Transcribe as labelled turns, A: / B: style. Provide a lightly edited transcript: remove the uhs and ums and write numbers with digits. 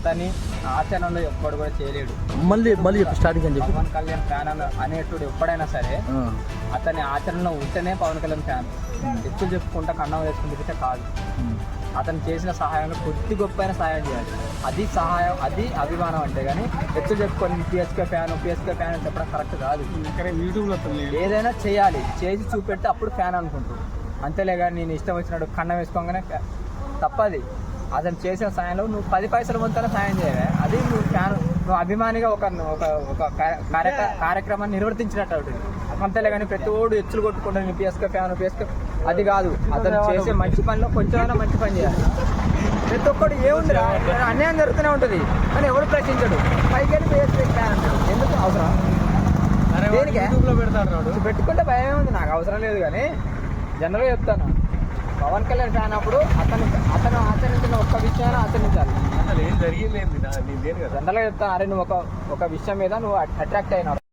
A: అతని ఆచరణలో ఎప్పుడు కూడా చేయలేడు.
B: మళ్ళీ స్టార్టింగ్ అని చెప్పి
A: పవన్ కళ్యాణ్ ఫ్యాన్ అనేటుడు ఎప్పుడైనా సరే అతని ఆచరణలో ఉంటేనే పవన్ కళ్యాణ్ ఫ్యాన్. ఎత్తులు చెప్పుకుంటా కన్నం వేసుకుంటే కాదు. అతను చేసిన సహాయంలో కొద్ది గొప్ప అయినా సహాయం చేయాలి. అది సహాయం, అది అభిమానం అంటే. కానీ ఎత్తులు చెప్పుకొని పిఎస్కే ఫ్యాన్ అని చెప్పడం కరెక్ట్ కాదు.
C: యూట్యూబ్లో
A: ఏదైనా చేయాలి, చేసి చూపెడితే అప్పుడు ఫ్యాన్ అనుకుంటారు. అంతేలే కానీ నేను ఇష్టం వచ్చినట్టు కన్నం వేసుకోగానే తప్పది. అతను చేసిన సాయంలో నువ్వు 10 పైసల వంతైనా సాయం చేయాలి. అది నువ్వు ఫ్యాన్, నువ్వు అభిమానిగా ఒక కార్యక్రమాన్ని నిర్వర్తించినట్టు అవుతుంది. అంతేలే కానీ ప్రతి ఓడు ఎచ్చులు కొట్టుకుంటాను నేను పిఎస్కే ఫ్యాన్ అది కాదు. అతను చేసే మంచి పనిలో కొంచెమైనా మంచి పని చేయాలి. ప్రతి ఒక్కడు ఏముందిరా, అన్యాయం జరుగుతూనే ఉంటుంది కానీ ఎవరు ప్రశ్నించడు. పైకి పిఎస్కే ఫ్యాన్ అంటాడు. ఎందుకు అవసరం? దేనికి పెట్టుకుంటే భయం ఏముంది? నాకు అవసరం లేదు. కానీ జనరల్గా చెప్తాను, పవన్ కళ్యాణ్ ఫ్యాన్ అప్పుడు అతను ఆచరించిన ఒక్క విషయాన్ని ఆచరించాలి.
C: అసలు ఏం జరిగింది
A: జనరల్గా చెప్తాను, అరే నువ్వు ఒక విషయం మీద నువ్వు అట్రాక్ట్ అయినావు.